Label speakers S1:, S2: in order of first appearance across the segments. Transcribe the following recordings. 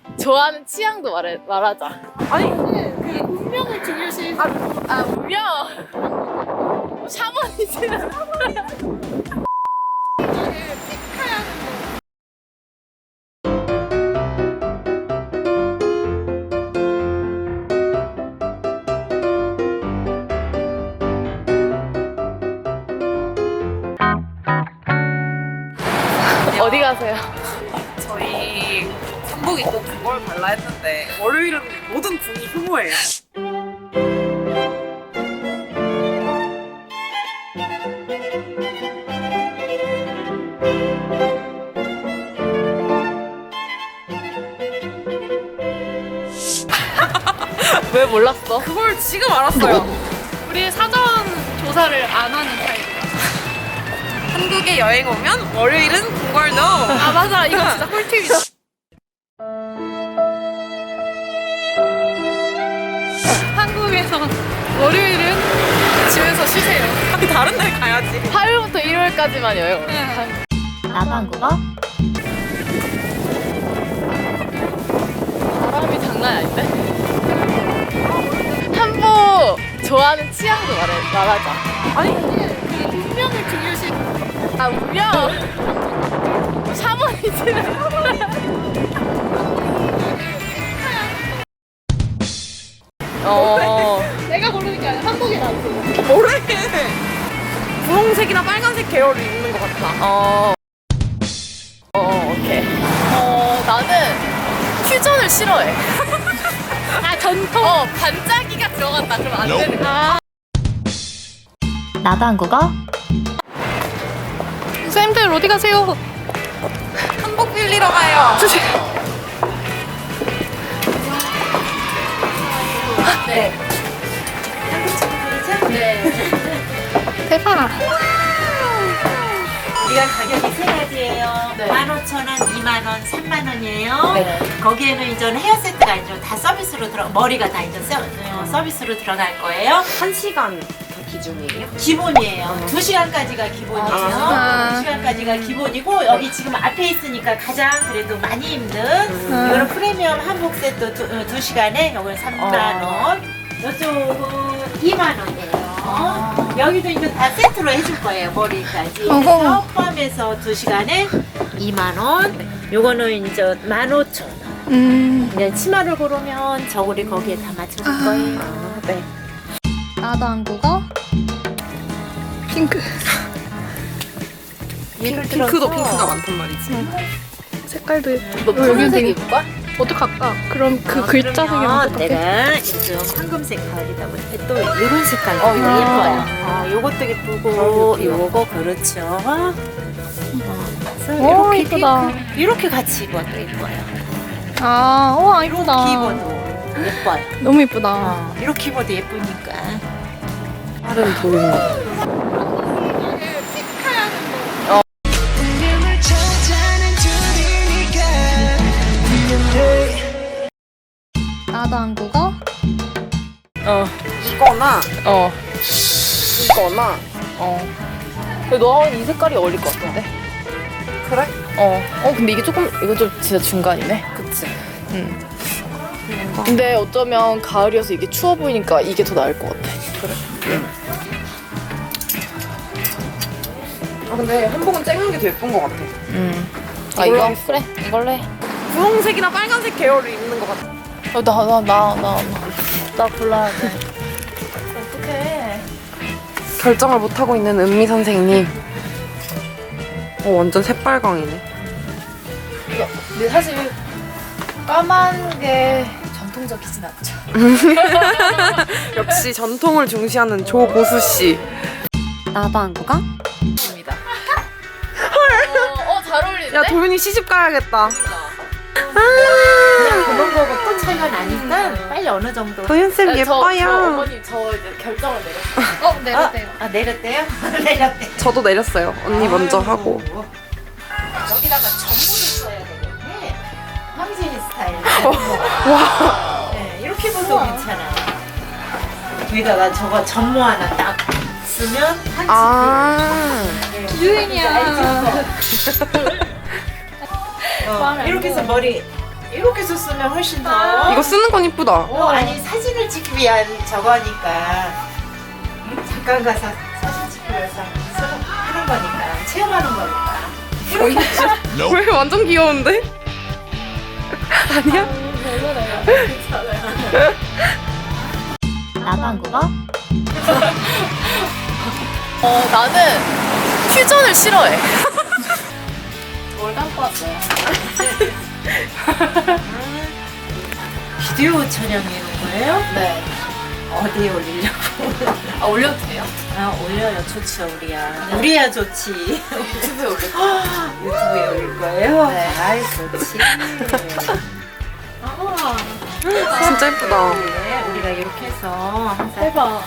S1: 좋아하는 취향도 말하자.
S2: 아니 그 운명을 중요시.
S1: 운명. 샤머니즘. 어디 가세요?
S2: 저희 한복 입고 그걸 발라 했는데 월요일은 모든 군이 휴무예요.
S1: 왜 몰랐어?
S2: 그걸 지금 알았어요.
S3: 우리 사전 조사를 안 하는 타입이야.
S2: 한국에 여행 오면 월요일은 궁궐도.
S3: 아 맞아, 이거 진짜 꿀팁이다. 한국에서 월요일은 집에서 쉬세요.
S2: 다른 데 가야지.
S1: 화요일부터 일요일까지만 여행.
S4: 나도 한국어?
S1: 바람이 장난 아닌데? 한복 좋아하는 취향도 말하자.
S2: 아니
S3: 운명을 중요시.
S1: 운명. 샤머니즘.
S3: 내가 고르는 게 아니라 한복이 나왔어.
S2: 뭐래? 분홍색이나 빨간색 계열을 입는 것 같아.
S1: 오케이. 나는 퓨전을 싫어해. 전통. 반짝이가 들어간다. 그럼 안 되는 거야.
S4: 나도 한국어?
S3: 선생님들 어디 가세요?
S2: 한복 빌리러 가요.
S1: 네.
S3: 대박.
S5: 이건 가격이 세 가지예요.
S1: 네.
S5: 15,000원, 2만원, 3만원이에요.
S1: 네.
S5: 거기에는 이제 헤어 세트가 이제 다 서비스로 머리가 다 이제 서비스로 들어갈 거예요.
S2: 1시간 기준이에요?
S5: 기본이에요. 2시간까지가 기본이에요.
S3: 아.
S5: 2시간까지가 기본이고 여기 지금 앞에 있으니까 가장 그래도 많이 힘든 이거는 프리미엄 한복 세트 2시간에 이건 3만원. 이쪽은 2만원이에요. 여기도 이제 다 세트로 해줄 거예요. 머리까지. 그래서 포함해서 2시간에 2만원. 요거는 이제 15,000원. 이제 치마를 고르면 저고리 거기에 다 맞춰줄 거예요.
S2: 네.
S3: 나도 한국어? 핑크.
S2: 핑크도 핑크가 많단 말이지.
S3: 색깔도
S1: 너 푸른색 입을 거야?
S3: 어떡할까? 그럼 그 글자 색이
S5: 그러면
S3: 어떡해?
S5: 내가 요즘 황금색 가을이다 보니까 또 이런 색깔도 예뻐요. 요것도 예쁘고 요거 그렇죠. 그래서
S3: 오,
S5: 이렇게
S3: 예쁘다.
S5: 핑크, 이렇게 같이 입어도 예뻐요.
S3: 아, 와
S5: 이렇게
S3: 이쁘다.
S5: 입어도 예뻐요.
S3: 너무 예쁘다.
S5: 이렇게 입어도 예쁘니까.
S2: 다른 도용.
S3: 나도 한국어?
S2: 이거나
S1: 어.
S2: 이거나.
S1: 근데 너하고는 이 색깔이 어울릴 것 같은데?
S2: 그래?
S1: 근데 이게 조금, 이거 좀 진짜 중간이네.
S2: 그치.
S1: 근데 어쩌면 가을이어서 이게 추워 보이니까 이게 더 나을 것 같아.
S2: 근데 한복은 쨍한 게 더 예쁜 것 같아.
S1: 아, 이거? 그래, 이걸로 해.
S2: 분홍색이나 빨간색 계열을 입는 것 같아.
S1: 나 골라야 돼. 어떡해.
S2: 결정을 못하고 있는 은미 선생님. 완전 새빨강이네.
S1: 근데 사실 까만 게 전통적이진 않죠.
S2: 역시 전통을 중시하는 조보수 씨.
S4: 나도 한국어?
S1: 입니다. 잘 어울리는데?
S2: 야 도윤이 시집 가야겠다.
S5: 그냥 그런 거고 또 차이가 나니까 빨리 어느 정도.
S2: 도윤 쌤
S1: 저
S2: 예뻐요.
S1: 어머님 저 이제 결정을 내렸어요.
S3: 내렸대요.
S5: 내렸대요? 내렸대.
S2: 저도 내렸어요. 언니 먼저 하고.
S5: 여기다가 전부를 써야 되겠네. 황진이 스타일로.
S2: 와.
S5: 네, 이렇게 입어도 괜찮아요. 여기다가 저거 전모 하나 딱 쓰면 한치.
S2: 아.
S3: 유행이야.
S5: 이렇게 해서 머리 이렇게 썼으면 훨씬 더.
S6: 이거 쓰는 건 이쁘다.
S5: 아니 사진을 찍기 위한 저거니까 잠깐 가서 사진 찍기 위해서 하는 거니까 체험하는 거니까.
S6: 왜 완전 귀여운데? 아니야?
S4: 나도 한국어?
S1: 나는 퓨전을 싫어해.
S3: 뭘 갖고 왔어요?
S5: 비디오 촬영하는 거예요?
S1: 네.
S5: 어디에 올리려고?
S1: 아, 올려도 돼요?
S5: 아 올려요. 좋죠 우리야. 우리야 좋지.
S1: 유튜브에 올려.
S5: 유튜브에 올릴 거예요?
S1: 네.
S5: 아이 좋지.
S6: 진짜 예쁘다.
S5: 네, 우리가 이렇게 해서 항상
S3: 대박.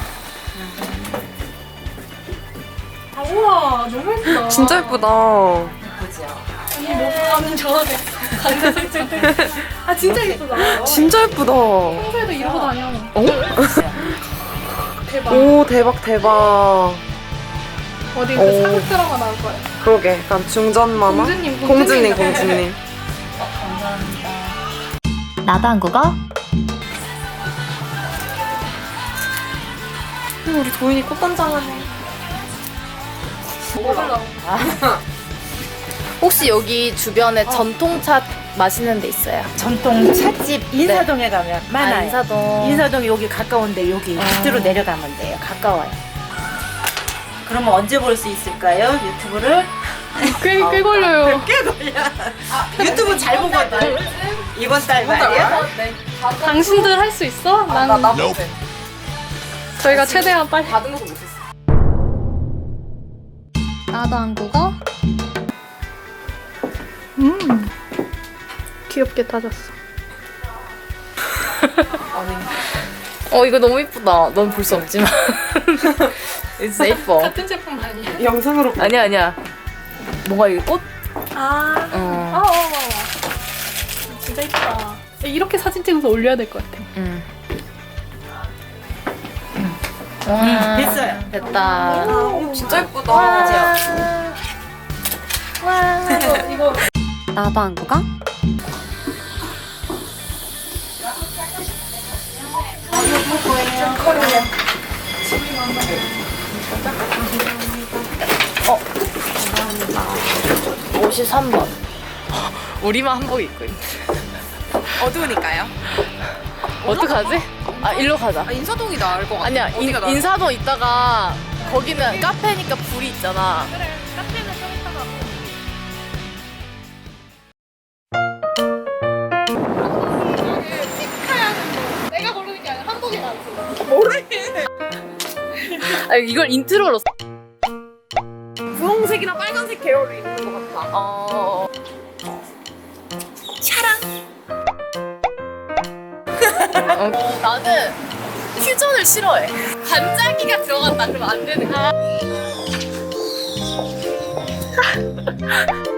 S3: 아, 우와, 너무 예쁘다.
S6: 진짜 예쁘다.
S5: 보죠.
S3: 너무 좋아해. 강자 설정. 아, 진짜 예쁘다.
S6: 진짜 예쁘다.
S3: 평소에도 이러고 다녀.
S6: 어?
S3: 대박.
S6: 오, 대박, 대박.
S3: 어디
S6: 오.
S3: 그 사극 드라마 나올 거야.
S6: 그러게, 약간 중전 마마?
S3: 공주님,
S6: 공주님,
S3: 공주님.
S6: 공주님.
S4: 나도 한국어?
S6: 우리 도인이 꽃단장하네.
S3: 먹으려고.
S1: 혹시 여기 주변에 전통차 맛있는 데 있어요?
S5: 전통 찻집 인사동에 가면 많아요.
S1: 인사동.
S5: 인사동 여기 가까운데 여기 밑으로 내려가면 돼요. 가까워요. 그러면 언제 볼 수 있을까요? 유튜브를?
S3: 꽤 걸려요.
S5: 유튜브 잘 보거든. 이번 달 말이야.
S3: 당신들 할 수 있어? 난
S1: 못해.
S3: 저희가 최대한 빨리.
S1: 받은 것도 못했어.
S4: 나도 한국어?
S3: 귀엽게 타졌어.
S1: 이거 너무 예쁘다. 넌 볼 수 없지만. 진짜 예뻐.
S3: 같은 제품 아니야?
S6: 영상으로
S1: 아니야. 뭔가 이게 꽃?
S3: 아, 진짜 예쁘다. 이렇게 사진 찍어서 올려야 될 것 같아.
S5: 됐어요.
S1: 됐다.
S6: 진짜 예쁘다.
S3: 이거
S4: 나도 한국어?
S1: 어. 53번. 우리만 한복 입고 있네.
S6: 어두우니까요.
S1: 어떡하지? 아, 일로 가자.
S6: 인사동이 나을 것 같아.
S1: 아니야, 인사동 있다가 거기는 카페니까 불이 있잖아.
S3: 그래, 카페는 좀 이따가. 내가 고르는 게 아니라 한복이 나왔어.
S1: 아, 이걸 인트로로.
S6: 분홍색이랑 빨간색 계열이 있는 것 같아.
S1: 나는 퓨전을 싫어해. 반짝이가 들어간다 그러면 안 되는 거야.